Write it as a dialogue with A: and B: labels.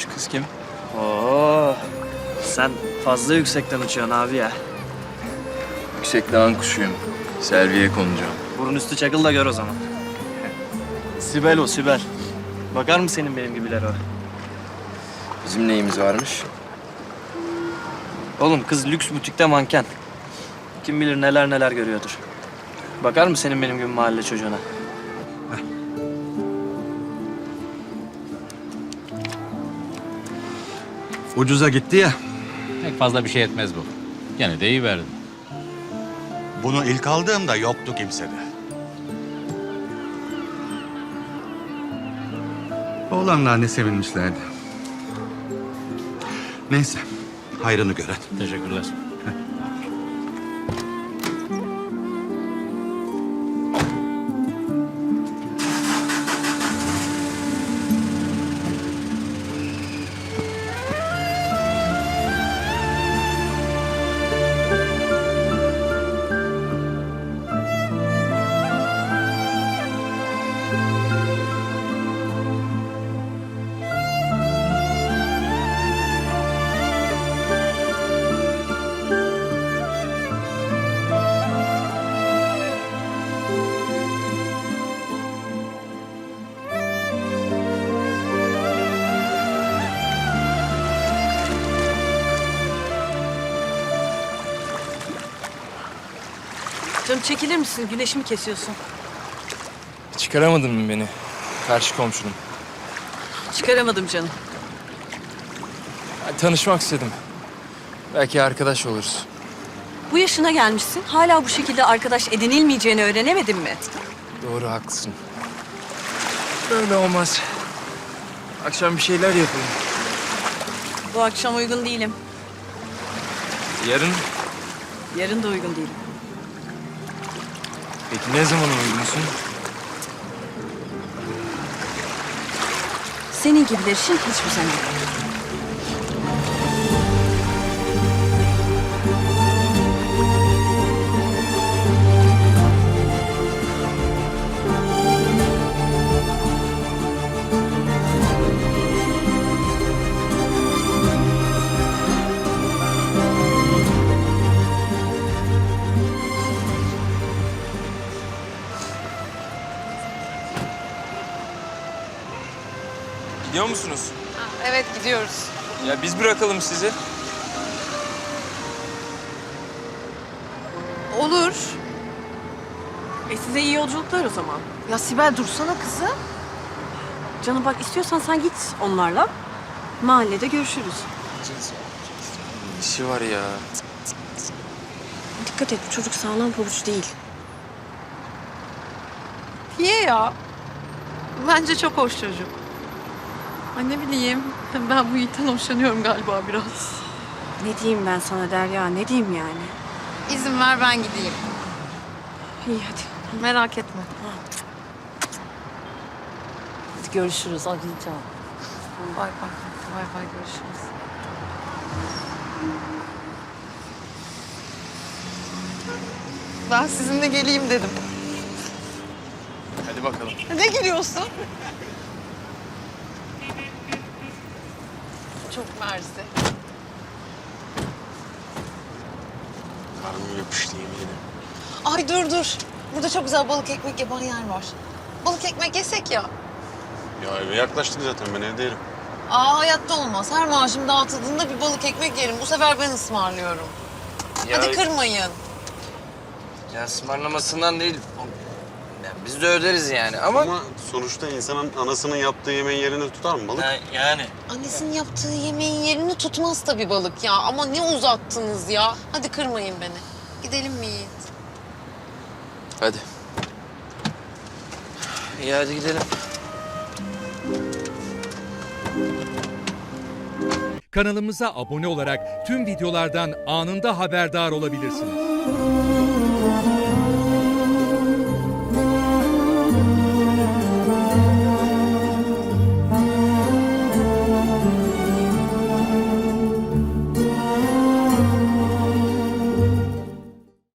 A: Şu kız kim?
B: Oo, sen fazla yüksekten uçuyorsun abi ya.
A: Yüksek dağın kuşuyum. Selviye konacağım.
B: Burun üstü çakıl da gör o zaman. Sibel o, Sibel. Bakar mı senin benim gibiler o?
A: Bizim neyimiz varmış?
B: Oğlum kız lüks butikte manken. Kim bilir neler neler görüyordur. Bakar mı senin benim gibi mahalle çocuğuna?
C: Ucuza gitti ya.
D: Pek fazla bir şey etmez bu. Gene de iyi verdin.
C: Bunu ilk aldığımda yoktu kimsede. Oğlanlar ne sevinmişlerdi. Neyse, hayrını gören.
D: Teşekkürler.
E: Canım çekilir misin? Güneşimi kesiyorsun.
A: Çıkaramadın mı beni? Karşı komşunum.
E: Çıkaramadım canım.
A: Tanışmak istedim. Belki arkadaş oluruz.
E: Bu yaşına gelmişsin. Hala bu şekilde arkadaş edinilmeyeceğini öğrenemedin mi?
A: Doğru, haklısın. Böyle olmaz. Akşam bir şeyler yapalım.
E: Bu akşam uygun değilim.
A: Yarın?
E: Yarın da uygun değilim.
A: Peki ne zaman uygunsun?
E: Senin gibiler için hiçbir zaman yok.
A: Gidiyor musunuz?
F: Evet gidiyoruz.
A: Ya biz bırakalım sizi.
F: Olur.
E: Size iyi yolculuklar o zaman.
F: Ya Sibel dursana kızım.
E: Canım bak istiyorsan sen git onlarla. Mahallede görüşürüz.
A: İşi var ya.
E: Dikkat et bu çocuk sağlam pabuç değil.
F: Niye ya? Bence çok hoş çocuk. Ay ne bileyim. Ben bu Yiğit'ten hoşlanıyorum galiba biraz.
E: Ne diyeyim ben sana Derya, ne diyeyim yani?
F: İzin ver ben gideyim.
E: İyi hadi.
F: Merak etme.
E: Hadi görüşürüz. Arayacağım.
F: Bay bay. Bay bay görüşürüz. Ben sizinle geleyim dedim.
A: Hadi bakalım.
F: Ne gülüyorsun? Çok mersi.
G: Karnım yapıştı yemin ederim.
F: Ay dur. Burada çok güzel balık ekmek yapan yer var. Balık ekmek yesek ya.
G: Ya eve yaklaştık zaten, ben evdeyim.
F: Hayatta olmaz. Her maaşım dağıtıldığında bir balık ekmek yerim. Bu sefer ben ısmarlıyorum.
B: Ya,
F: Hadi kırmayın.
B: ya ısmarlamasından değil. Ya biz de öderiz yani ama...
G: Ama sonuçta insanın anasının yaptığı yemeğin yerini tutar mı balık?
B: Yani.
F: Annesinin yaptığı yemeğin yerini tutmaz tabii balık ya. Ama ne uzattınız ya. Hadi kırmayın beni. Gidelim mi Yiğit?
A: Hadi.
B: İyi hadi gidelim.
H: Kanalımıza abone olarak tüm videolardan anında haberdar olabilirsiniz.